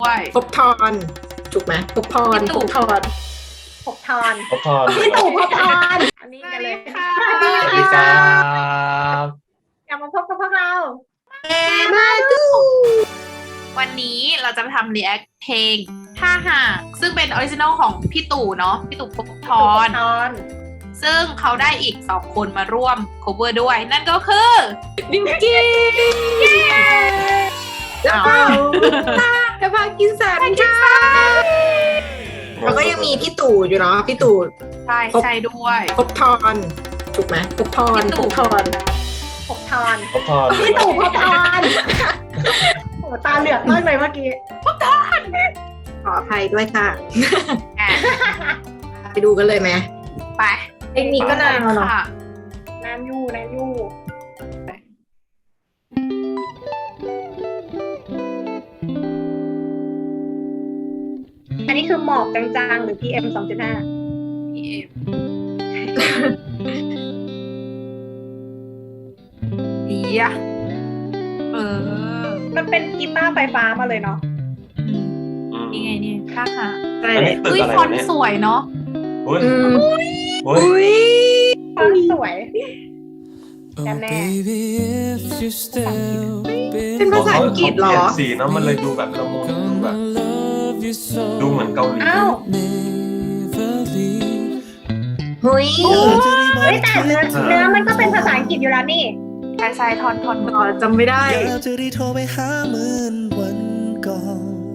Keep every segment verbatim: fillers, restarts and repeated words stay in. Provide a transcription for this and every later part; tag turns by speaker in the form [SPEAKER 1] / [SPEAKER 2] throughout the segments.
[SPEAKER 1] ด้วย
[SPEAKER 2] ภพทรถูกไหมภพทร
[SPEAKER 1] พี่
[SPEAKER 2] ภ
[SPEAKER 1] ตู่
[SPEAKER 2] พทร
[SPEAKER 3] ภพทร
[SPEAKER 4] ขอพร
[SPEAKER 3] พี่ตู่ภพทรอันนี้
[SPEAKER 1] ส
[SPEAKER 3] กั
[SPEAKER 1] วัน ส
[SPEAKER 3] เล
[SPEAKER 1] ดี
[SPEAKER 3] ย
[SPEAKER 1] ค่ะ
[SPEAKER 4] สวัสดีครับ
[SPEAKER 3] กลับมาพบกับพวกเรา
[SPEAKER 2] มาดู
[SPEAKER 1] วันนี้เราจะมาทำ react เพลงถ้าหากซึ่งเป็นออริจินอลของพี่ตู่เนาะพี่ตู่ภพท
[SPEAKER 3] ตู่ภ
[SPEAKER 1] ร
[SPEAKER 3] พทร
[SPEAKER 1] ซึ่งเขาได้อีกสองคนมาร่วม cover ด้วย นั่นก็คือ
[SPEAKER 2] บิวกิ้นแล้วก็กระพากินสันค่ะแล้วก็ยังมีพี่ตู่อยู่เนาะพี่ตู่
[SPEAKER 1] ใช่ใช่ด้วย
[SPEAKER 2] ภพทรถูกไหมภพทร
[SPEAKER 1] พี่ตู่
[SPEAKER 2] ภพทร
[SPEAKER 3] ภพทร
[SPEAKER 4] ขอพร
[SPEAKER 3] พี่ตู่ภพทรโอ้ตาเหลือกมากเลยเมื่อกี้
[SPEAKER 2] ขออภัยด้วยค่ะ
[SPEAKER 1] อ่ะ
[SPEAKER 2] ไปดูกันเลยไหม
[SPEAKER 1] ไป
[SPEAKER 2] เทคนิคก็นานแล้วเนาะ
[SPEAKER 1] ค่ะ
[SPEAKER 3] นานอยู่นานอยู่อันนี้คือหมอกจางๆหรือ พี เอ็ม สองจุดห้า
[SPEAKER 1] พี เอ็ม อียะเออ
[SPEAKER 3] มันเป็นกีตาร์ไฟฟ้ามาเลยเนาะ
[SPEAKER 4] อืม
[SPEAKER 1] นี่ไงนี่ถ้าหาก
[SPEAKER 2] ใช่
[SPEAKER 4] อัน
[SPEAKER 2] เล
[SPEAKER 4] นี้
[SPEAKER 2] ย
[SPEAKER 4] ตึก
[SPEAKER 1] อุ้ย
[SPEAKER 4] อะไร
[SPEAKER 1] ฟอน
[SPEAKER 4] วะ
[SPEAKER 1] ต์
[SPEAKER 4] เนี่ย
[SPEAKER 1] สวยเนาะ
[SPEAKER 4] อุ้ย
[SPEAKER 2] อืม
[SPEAKER 4] อุ้ย
[SPEAKER 2] อุ้ย
[SPEAKER 3] ฟอนต์สวย
[SPEAKER 5] Oh,
[SPEAKER 3] Damn it.
[SPEAKER 5] baby, if you're still
[SPEAKER 2] เป็นภาษาอังกฤษเหรอ
[SPEAKER 4] เขาเปลี่ยนสีเนอะมันเลยดูแบบละมุนดูแบบ
[SPEAKER 5] gonna love you so
[SPEAKER 4] ดูเหมือนเกาหลี
[SPEAKER 3] อ้าว
[SPEAKER 5] never leave.
[SPEAKER 2] เฮ้ย
[SPEAKER 3] เฮ้ยแต่เนื้อเนื้อมันก็เป็นภาษาอังกฤษอยู่แล้วนี่
[SPEAKER 1] ใช่ใช่ทอนทอน
[SPEAKER 2] ต่อจำไม่ได้
[SPEAKER 5] อยากจะได้โทรไปหาเหมือนวันก่อน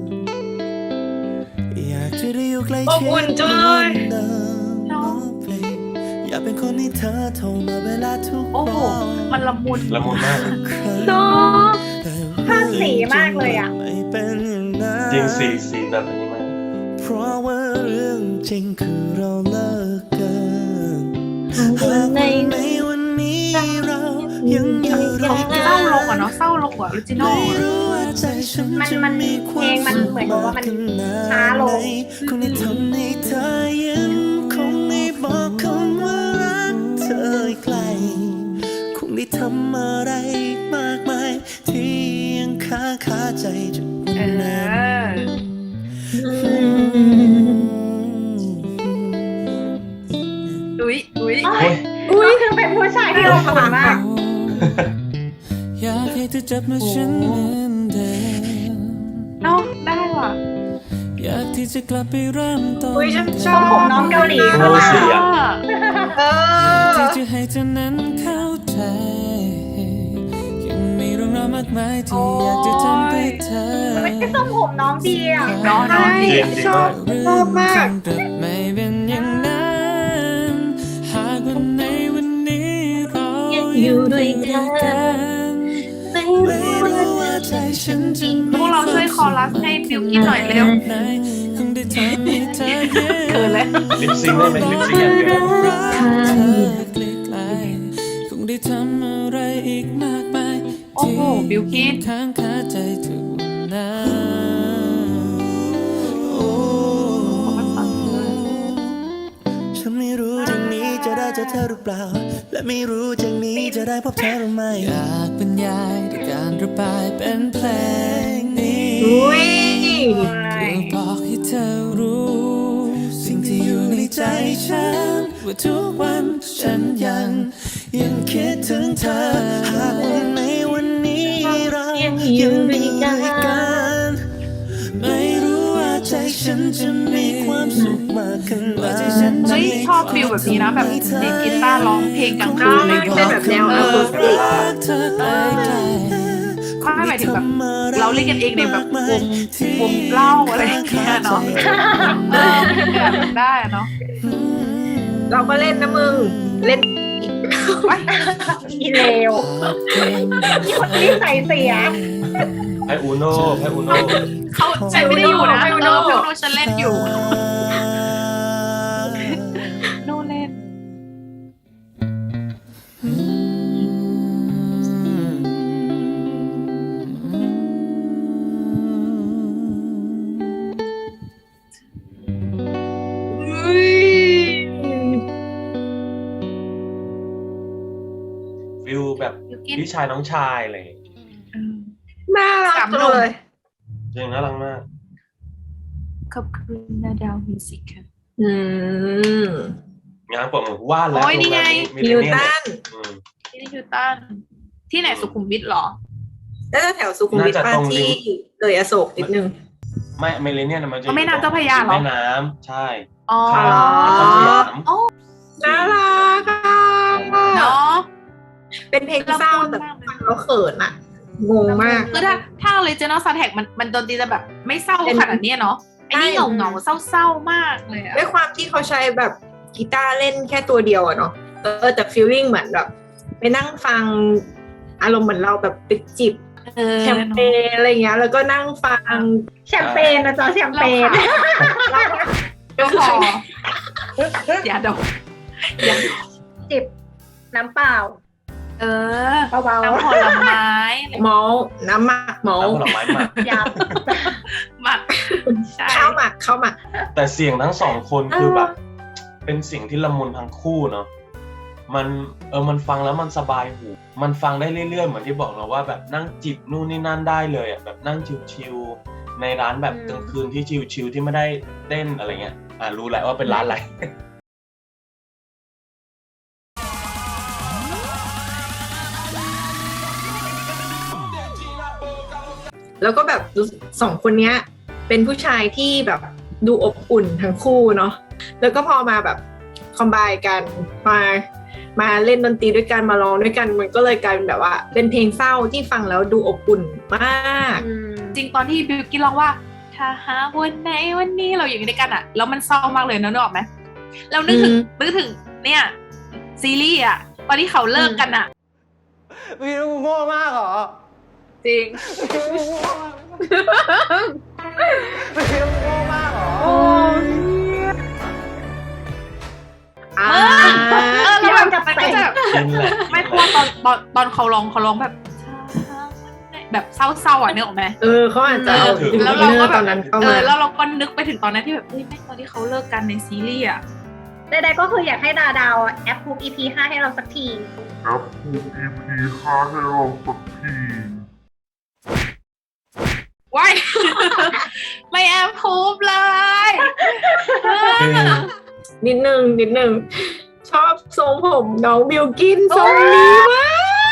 [SPEAKER 5] อยากจะได้อยู่ใกล้
[SPEAKER 2] อบ
[SPEAKER 5] ชิ
[SPEAKER 2] อุ่
[SPEAKER 5] ด
[SPEAKER 2] นจังเลย
[SPEAKER 5] เดิมน้องเพลงอยากเป็นคนที่เธอโทรมาเวลาทุก
[SPEAKER 1] โอ้โห
[SPEAKER 5] วัน
[SPEAKER 1] มันละมุน
[SPEAKER 4] ละมุนมาก
[SPEAKER 2] เนาะ
[SPEAKER 3] ภาพสีมากเลยอะ
[SPEAKER 5] ไม่เป็นอย่างนั้น
[SPEAKER 4] จริงสีสีแบบนี้มาก
[SPEAKER 5] เพราะว่าเรื่องจริงคือเราเลิกกันหากวันในวันนี้เรายังอยู่ด้วยกั
[SPEAKER 1] เศร้าลงอ่ะเนาะเศร้าลงกว่าออริจินอล
[SPEAKER 5] ไม่รู้ว่าใจฉัน
[SPEAKER 3] มัน
[SPEAKER 5] จะ
[SPEAKER 3] มัน
[SPEAKER 5] มีควา
[SPEAKER 3] เพล
[SPEAKER 5] ม
[SPEAKER 3] งมัน
[SPEAKER 5] สุข
[SPEAKER 3] เหมือนกับว่ามัน
[SPEAKER 5] ขนาด
[SPEAKER 3] ช้าลง
[SPEAKER 5] ไหนคงได้ทำให้เธอยังคงได้บอกคำว่ารักเธออีกไกลคงได้ทำอะไรอีกมากมายที่ยังค้างคาใจจน
[SPEAKER 1] เอ
[SPEAKER 5] วันนั้น
[SPEAKER 1] ออุ้ยอุ้ย
[SPEAKER 3] โอ้ย
[SPEAKER 4] อุ้ย
[SPEAKER 3] ก็คือเป็นผู้ชายที่เราฝันมาก
[SPEAKER 5] อยากให้เธอจับมือฉันเหมือนเดิม
[SPEAKER 1] เนาะได้ว่ะ
[SPEAKER 5] อยากที่จะกลับไปเริ่มต้น
[SPEAKER 2] อุ้ยฉันช
[SPEAKER 3] ท
[SPEAKER 2] อ
[SPEAKER 3] รง
[SPEAKER 2] บ
[SPEAKER 3] ผมน้องเกาหลี
[SPEAKER 4] โอ้สีอะ
[SPEAKER 2] เออ
[SPEAKER 5] ที่จะให้เธอนั้นเข้าใจยังมีเรื่องราวมากมายที่อยากจะทำเพื่อเธอ
[SPEAKER 3] ไม่ใช่ทรงผมน้องดีอ่ะ
[SPEAKER 1] น้องน้อง
[SPEAKER 2] ใช่
[SPEAKER 4] จริงจริง
[SPEAKER 2] ชอ
[SPEAKER 4] มา
[SPEAKER 2] บ
[SPEAKER 4] ก
[SPEAKER 2] ชอบมาก
[SPEAKER 5] แต่ไม่เป็นอย่างนั้นหากวันในวันนี้เรายังอยู่ด้วยกันไม่รู้ว่าใจฉันจะ
[SPEAKER 1] พวกเราช่วยคอรัสให้บิวกินหน่อยเร็ว
[SPEAKER 5] ไหนคงได้ทำให้เธอเย็น
[SPEAKER 1] เขินเลย
[SPEAKER 4] ลิปซิงค์ได้ไหมลิปซิงค์อย่างเดียว
[SPEAKER 5] รักเธอไกลๆคงได้ทำอะไรอีกมากมาย
[SPEAKER 1] โอ้โหบิวกิน
[SPEAKER 5] ค้างคาใจทุกนาโอ้ฉันไม่รู้จากนี้จะได้เจอเธอหรือเปล่า และไม่รู้จากนี้จะได้พบเธอหรือไม่อยากบรรยายด้วยการระบายเป็นเพลงนี้
[SPEAKER 2] อุ้ย
[SPEAKER 5] เพื่อบอกให้เธอรู้ สิ่งที่อยู่ในใจฉันว่าทุกวันฉันยังยังคิดถึงเธอหากวันในวันนี้เรายังอยู่ด้วยกันไม่รู้ว่าใจฉันจะมีความสุขมากขนาดไหน
[SPEAKER 1] เฮ้ยชอบฟิลแบบนี้นะแบบดีดกีตาร์ร้องเพลงกลางคืนอะไรอย่าง
[SPEAKER 2] เป็น
[SPEAKER 1] เงี้ย
[SPEAKER 2] แบบแนวอะคูสติก
[SPEAKER 5] รักเธอไกล
[SPEAKER 1] ไม่หมายถึงแบบเราเล่นกันเองในแบบวงวงเล่าอะไรอย่างเงี้ยเนาะเออแบบได้อะเนาะ
[SPEAKER 2] เราก็เล่นนะมึง เล่น
[SPEAKER 3] อีเลวมีคนที่ใส่เสีย
[SPEAKER 4] ไพอูโน่ไพอูโน่
[SPEAKER 1] เขาฉันไม่ได้อยู่นะเออเพราะว่าฉันเล่นอยู่โน่เล่น
[SPEAKER 4] ฟิลแบบ
[SPEAKER 1] บิวกิน
[SPEAKER 4] พี่ชายน้องชายอะไรอย่างเงี้ย
[SPEAKER 1] เออ
[SPEAKER 2] น่ารักจังเลย
[SPEAKER 4] จริงน่ารักมาก
[SPEAKER 1] ขอบคุณนาดาวมิวสิกค่ะ
[SPEAKER 2] อืม
[SPEAKER 4] งานผมว่าแล้ว
[SPEAKER 1] โอ้ยนี่ไง
[SPEAKER 4] มี
[SPEAKER 2] นิว
[SPEAKER 4] เนีย
[SPEAKER 2] ตัน
[SPEAKER 4] อืม
[SPEAKER 1] ที่นิวตันที่ไหนสุขุมวิทเหรอ
[SPEAKER 2] น่าจะแถวสุขุมวิท
[SPEAKER 4] น่าจะ
[SPEAKER 2] ป้า
[SPEAKER 4] ตรง
[SPEAKER 2] ที่
[SPEAKER 4] ริม
[SPEAKER 2] เลยอโศกนิดนึง
[SPEAKER 4] ไม่เมเลเนียนมันจะ
[SPEAKER 1] อ๋อแม่น้ำเจ้าพระยาเหรอ
[SPEAKER 4] แม่น้ำใช่
[SPEAKER 1] อ๋อ
[SPEAKER 4] ข้ามนครสยาม
[SPEAKER 1] อ๋อ
[SPEAKER 2] น่ารักอ่ะ
[SPEAKER 1] เนาะ
[SPEAKER 2] เป็นเพลงเศร้าแต่ฟังแล้วเขินอ่ะ งงมาก
[SPEAKER 1] คือถ้าถ้า Original Soundtrack มันมันดนตรีจะแบบไม่เศร้า
[SPEAKER 2] เป็น
[SPEAKER 1] ขนาดนี้เนาะไอ้นี่
[SPEAKER 2] ใช่
[SPEAKER 1] เหงาเหงาเศร้าเศร้ามากเลยอะ
[SPEAKER 2] ด้วยความที่เขาใช้แบบกีตาร์เล่นแค่ตัวเดียวอะเนาะเออแต่ฟีลลิ่งเหมือนแบบไปนั่งฟังอารมณ์เหมือนเราแบบไปจิบ
[SPEAKER 1] เออ
[SPEAKER 2] แชมเปญอะไรเงี้ยแล้วก็นั่งฟัง
[SPEAKER 3] แชมเปญนะจ๊ะแชมเป
[SPEAKER 1] เรา
[SPEAKER 3] ญ
[SPEAKER 1] ค่ะก็พออย่าดมอย่าดม
[SPEAKER 3] จิบน้ำเปล่า
[SPEAKER 1] เออ
[SPEAKER 3] เบา
[SPEAKER 1] น้ำผลไม้อะไร
[SPEAKER 2] เมาส์น้ำหมักเมา
[SPEAKER 4] น้ำ
[SPEAKER 2] ส์
[SPEAKER 4] ผลไม้หมัก
[SPEAKER 3] ๆยับ
[SPEAKER 1] หมักใช่
[SPEAKER 2] ข้าวหมักข้าวหมัก
[SPEAKER 4] แต่เสียงทั้งสองคนคือแบบ เป็นเสียงที่ละมุนทั้งคู่เนาะมันเออมันฟังแล้วมันสบายหูมันฟังได้เรื่อยๆเหมือนที่บอกเราว่าแบบนั่งจิบนู่นนี่นั่นได้เลยอ่ะแบบนั่งชิวๆในร้านแบบกลางคืนที่ชิวๆที่ไม่ได้เต้นอะไรเงี้ยอ่ารู้แหละว่าเป็นร้านอะไร
[SPEAKER 2] แล้วก็แบบสองคนเนี้ย เป็นผู้ชายที่แบบดูอบอุ่นทั้งคู่เนาะแล้วก็พอมาแบบคอมไบกันมามาเล่นดนตรีด้วยกันมาร้องด้วยกันมันก็เลยกลายเป็นแบบว่า เป็นเพลงเศร้าที่ฟังแล้วดูอบอุ่นมาก
[SPEAKER 3] อืม
[SPEAKER 1] จริงตอนที่บิวกี้ร้องว่าถ้าหากวันไหนวันนี้เราอยู่ด้วยกันอะแล้วมันเศร้ามากเลยนะนึกออกไหมเรานึกถึง
[SPEAKER 2] อืม
[SPEAKER 1] นึกถึงเนี่ยซีรีส์อะตอนที่เขาเลิกกันอะ
[SPEAKER 5] พี่มึงโง่มากเหรอ
[SPEAKER 1] จริง
[SPEAKER 5] พี่มึงโง่มากพี่มึงโง่มากเหรอ
[SPEAKER 2] อ่า
[SPEAKER 1] เออแล้วแบบมันก็จะแบบ
[SPEAKER 4] กินแหละ
[SPEAKER 1] ไม่เพราะว่าตอนตอนตอนเขาร้องเขาร้องแบบแบบเศร้าๆอ่ะนึกออกไหม
[SPEAKER 2] เออเขาอาจจะเอา
[SPEAKER 1] แล้วเราก็แบบ
[SPEAKER 2] ตอนนั้นเข้า
[SPEAKER 1] เอ
[SPEAKER 2] มา
[SPEAKER 1] อแล้วเราก็นึกไปถึงตอนนั้นที่แบบเฮ้ยแม่งตอนที่เขาเลิกกันในซีรีส์อ่ะ
[SPEAKER 3] ใดๆก็คืออยากให้ดาดาวแอปพูบ อี พี ห้าให้เราสักที
[SPEAKER 6] ครับภูมิ อี พี ห้าให้เราสักที
[SPEAKER 1] ว้าย ไม่แอบพูบเลย
[SPEAKER 4] คือ
[SPEAKER 2] นิดนึงนิดนึงชอบทรงผมน้องบิวกินทรงนี้มาก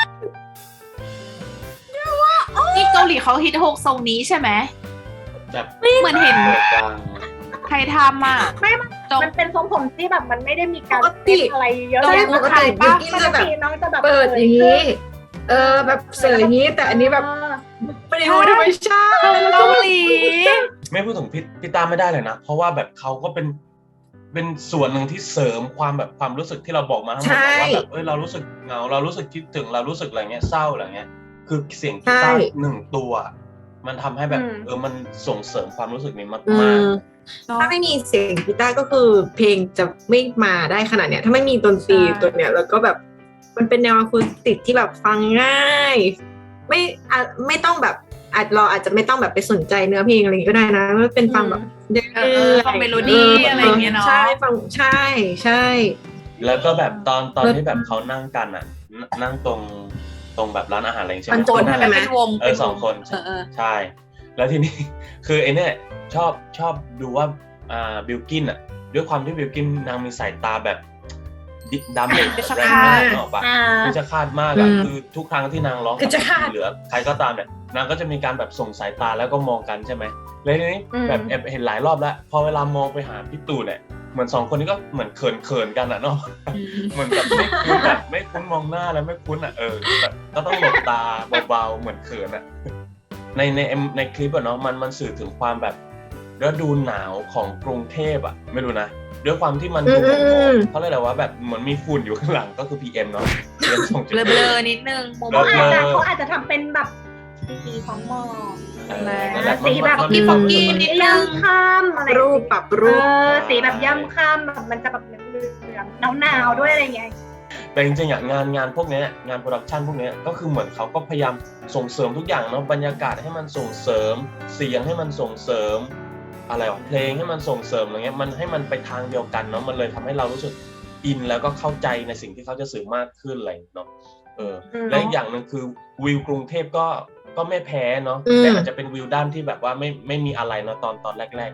[SPEAKER 1] นี่เกาหลีเขาฮิตโฮกทรงนี้ใช่ไหม
[SPEAKER 4] แบบ
[SPEAKER 1] เหมือนเห็น
[SPEAKER 4] เปิดกลาง
[SPEAKER 1] ใครทำอ่ะ
[SPEAKER 3] ไม่มัน
[SPEAKER 1] จง
[SPEAKER 3] มันเป็นทรงผมที่แบบมันไม่ได้มีการ
[SPEAKER 2] ปกติ
[SPEAKER 3] เต้นอะไรเยอะ
[SPEAKER 1] ต้อง
[SPEAKER 3] แยะ
[SPEAKER 2] ปกติบิวกิน
[SPEAKER 3] ปก
[SPEAKER 2] จะแบบ
[SPEAKER 3] ติน้องจะแบบ
[SPEAKER 2] เปิดอย่างนี้ เออแบบเสยอย่างนี้ แต่อันนี้แบบ
[SPEAKER 3] เออ
[SPEAKER 2] ไม่ได้รู้ธรรมชาติ
[SPEAKER 1] เกาหลี
[SPEAKER 4] ไม่พูดถึงพี่พี่ตาไม่ได้เลยนะ เพราะว่าแบบเขาก็เป็นเป็นส่วนหนึ่งที่เสริมความแบบความรู้สึกที่เราบอกมาทั้งหมดว่าแบบเอ้ยเรารู้สึกเหงาเรารู้สึกคิดถึงเรารู้สึกอะไรเงี้ยเศร้าอะไรเงี้ยคือเสียงกีตาร์หนึ่งตัว มันทำให้แบบเออมันส่งเสริมความรู้สึกนี้มาก
[SPEAKER 2] อื
[SPEAKER 4] มาก
[SPEAKER 2] มถ้าไม่มีเสียงกีตาร์ก็คือเพลงจะไม่มาได้ขนาดเนี้ยถ้าไม่มีดนตรีตัวเนี้ยแล้วก็แบบมันเป็นแนวอะคูสติกที่แบบฟังง่าย ไม่อะไม่ต้องแบบอาจเราอาจจะไม่ต้องแบบไปสนใจเนื้อเพลงอะไรก็ได้นะมันเป็นฟังแบบ
[SPEAKER 1] เออฟังเมโลดี้อะไรอย่างเงี้ยเนาะ
[SPEAKER 2] ใช่ฟังใช่ใช่
[SPEAKER 4] แล้วก็แบบตอนตอนที่แบบเขานั่งกันอ่ะนนั่งตรงตรงแบบร้านอาหารอะไรอย่างเงี้ย
[SPEAKER 2] มัน
[SPEAKER 4] ใช่
[SPEAKER 2] โจ
[SPEAKER 4] ไหม
[SPEAKER 2] นใช่ไหม
[SPEAKER 1] เป็นวง
[SPEAKER 4] เออสองคน
[SPEAKER 1] เออเออ
[SPEAKER 4] ใช่ แล้วทีนี้ คือไอ้เนี่ยชอบชอบดูว่าอ่าบิลกินอ่ะด้วยความที่บิลกินนางมีสายตาแบบดิดำเลยแรงมากเนกอะปะ
[SPEAKER 3] อ่า
[SPEAKER 4] คือจะคาดมากอะคือทุกครั้งที่นางร้อง
[SPEAKER 2] คือจะคาด
[SPEAKER 4] หรือใครก็ตามเนี่ยนางก็จะมีการแบบส่งสายตาแล้วก็มองกันใช่ไหมแล้วทีนี้
[SPEAKER 3] อืม
[SPEAKER 4] แบบแอบเห็นหลายรอบแล้ว พอเวลามองไปหาพี่ตู่เนี่ยเหมือนสองคนนี้ก็เหมือนเขินเขินๆกันอะเนาะ เหมือนแบบไม่คุ้นแบบไม่คุ้นมองหน้าแล้วไม่คุ้นอ่ะเออแบบก็ต้องหลบตาเบาๆเหมือนเขินอ่ะในในในคลิปอะเนาะมันมันสื่อถึงความแบบฤดูหนาวของกรุงเทพอะไม่รู้นะด้วยความที่มันดูหมอกๆเขาเรียกอะไรว่าแบบเหมือนมีฝุ่นอยู่ข้างหลังก็คือ พี เอ็ม เนาะ พี เอ็ม สองจุด
[SPEAKER 1] เบ
[SPEAKER 4] ห้า
[SPEAKER 1] ลอๆนิดนึงมุม
[SPEAKER 4] เบล
[SPEAKER 3] เขา
[SPEAKER 4] อ
[SPEAKER 3] อาจจะเขาอาจจะทำเป็นแบบสีของหมอก
[SPEAKER 4] เออนั่นแหละ
[SPEAKER 3] สีแบบ
[SPEAKER 4] มัน
[SPEAKER 3] ที่
[SPEAKER 4] มัน
[SPEAKER 3] ฟอก
[SPEAKER 4] มัน
[SPEAKER 3] กี้
[SPEAKER 4] มัน
[SPEAKER 3] นิดนึงข้ามอะไร
[SPEAKER 2] รูปปรับ
[SPEAKER 3] เอ
[SPEAKER 2] รูป
[SPEAKER 3] อสีแบบย่ำข้ามแบบมันจะแบบเหลืองๆหนาวๆด้วยอะไรอย่างเงี้ย
[SPEAKER 4] แต่จริงๆอะงานงานพวกเนี้ยงานโปรดักชันพวกเนี้ยก็คือเหมือนเขาก็พยายามส่งเสริมทุกอย่างเนาะบรรยากาศให้มันส่งเสริมเสียงให้มันส่งเสริมอะไรวะเพลงให้มันส่งเสริมอะไรเงี้ยมันให้มันไปทางเดียวกันเนาะมันเลยทำให้เรารู้สึกอินแล้วก็เข้าใจในสิ่งที่เขาจะสื่อมากขึ้นอะไรเนาะเออและอีกอย่างหนึ่งคือวิวกรุงเทพก็ก็ไม่แพ้เนาะแต่อาจจะเป็นวิวด้านที่แบบว่าไม่ไม่มีอะไรเนาะตอนตอนแรกๆเนาะ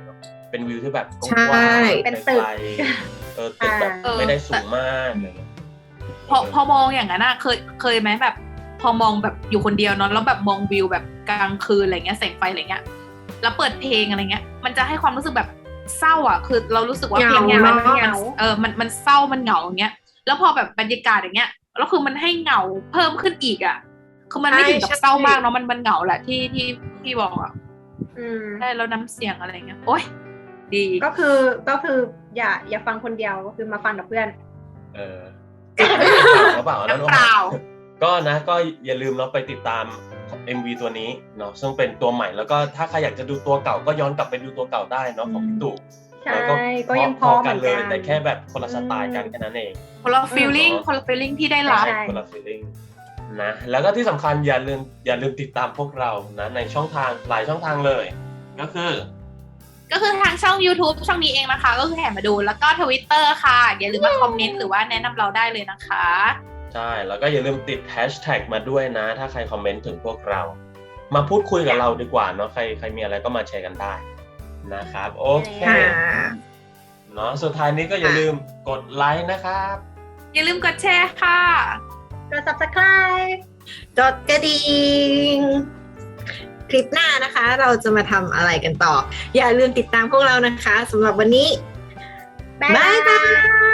[SPEAKER 4] เป็นวิวที่แบบก
[SPEAKER 2] ใช่
[SPEAKER 4] ว้างๆ
[SPEAKER 3] เป็นตึก
[SPEAKER 4] ไกลๆเออตึกแบบ
[SPEAKER 1] เออ
[SPEAKER 4] ไม่ได้สูงมากอะไรเงี้ย
[SPEAKER 1] พอพอมองอย่างนั้นอะเคยเคยไหมแบบ พอมองแบบอยู่คนเดียวเนาะแล้วแบบมองวิวแบบกลางคืนอะไรเงี้ยแสงไฟอะไรเงี้ยแล้วเปิดเพลงอะไรเงี้ยมันจะให้ความรู้สึกแบบเศร้าอ่ะคือเรารู้สึกว่าเพลงเนี้ยมัน
[SPEAKER 2] เหงา
[SPEAKER 1] มันเออมันมันเศร้ามันเหงาอย่างเงี้ยแล้วพอแบบบรรยากาศอย่างเงี้ยแล้วคือมันให้เหงาเพิ่มขึ้นอีกอ่ะคือมันไม่ถึงกับเศร้ามากเนาะมันมันเหงาแหละที่ที่พี่บอกอ่ะ
[SPEAKER 3] อืม
[SPEAKER 1] ได้แล้วน้ำเสียงอะไรเงี้ยโอ๊ยดี
[SPEAKER 3] ก็คือก็คืออย่าอย่าฟังคนเดียวก็คือมาฟังกับเพื่อน
[SPEAKER 4] เออหรือเปล่าแล้ว
[SPEAKER 1] น้ำเปล่า
[SPEAKER 4] ก็นะก็อย่าลืมเนาะไปติดตาม เอ็ม วี ตัวนี้เนาะซึ่งเป็นตัวใหม่แล้วก็ถ้าใครอยากจะดูตัวเก่าก็ย้อนกลับไปดูตัวเก่าได้เนาะของพี่ตู่
[SPEAKER 3] ใช่
[SPEAKER 4] แล้ว
[SPEAKER 3] ก็ยังพอเหมือน
[SPEAKER 4] เลย
[SPEAKER 3] กัน
[SPEAKER 4] แต่แค่แบบคนละสไตล์กันแค่นั้นเอง
[SPEAKER 1] คนละฟีลลิ่งคนละฟีลลิ่งที่ได้รับ
[SPEAKER 3] ใช่
[SPEAKER 4] คนละ feeling นะแล้วก็ที่สำคัญอย่าลืมอย่าลืมติดตามพวกเรานะในช่องทางหลายช่องทางเลย ก็คือ
[SPEAKER 1] ก็คือทางช่อง YouTube ช่องนี้เองนะคะ ก็คือแห่มาดูแล้วก็ Twitter ค่ะอย่าลืมมาคอมเมนต์หรือว่าแนะนำเราได้เลยนะคะ
[SPEAKER 4] ใช่แล้วก็อย่าลืมติดแฮชแท็กมาด้วยนะ ถ้าใครคอมเมนต์ถึงพวกเรา มาพูดคุยกับเราดีกว่าเนาะใครใครมีอะไรก็มาแชร์กันได้นะครับโอเค
[SPEAKER 2] ค่ะ
[SPEAKER 4] เนาะสุดท้ายนี้ก็อย่าลืมกดไลค์นะครับ
[SPEAKER 1] อย่าลืมกดแชร์ค่ะ
[SPEAKER 3] กด subscribe
[SPEAKER 2] กดกระดิ่งคลิปหน้านะคะ เราจะมาทำอะไรกันต่อ อย่าลืมติดตามพวกเรานะคะสำหรับวันนี้
[SPEAKER 3] บ๊าย
[SPEAKER 2] บ๊าย
[SPEAKER 3] บา
[SPEAKER 2] บาย ย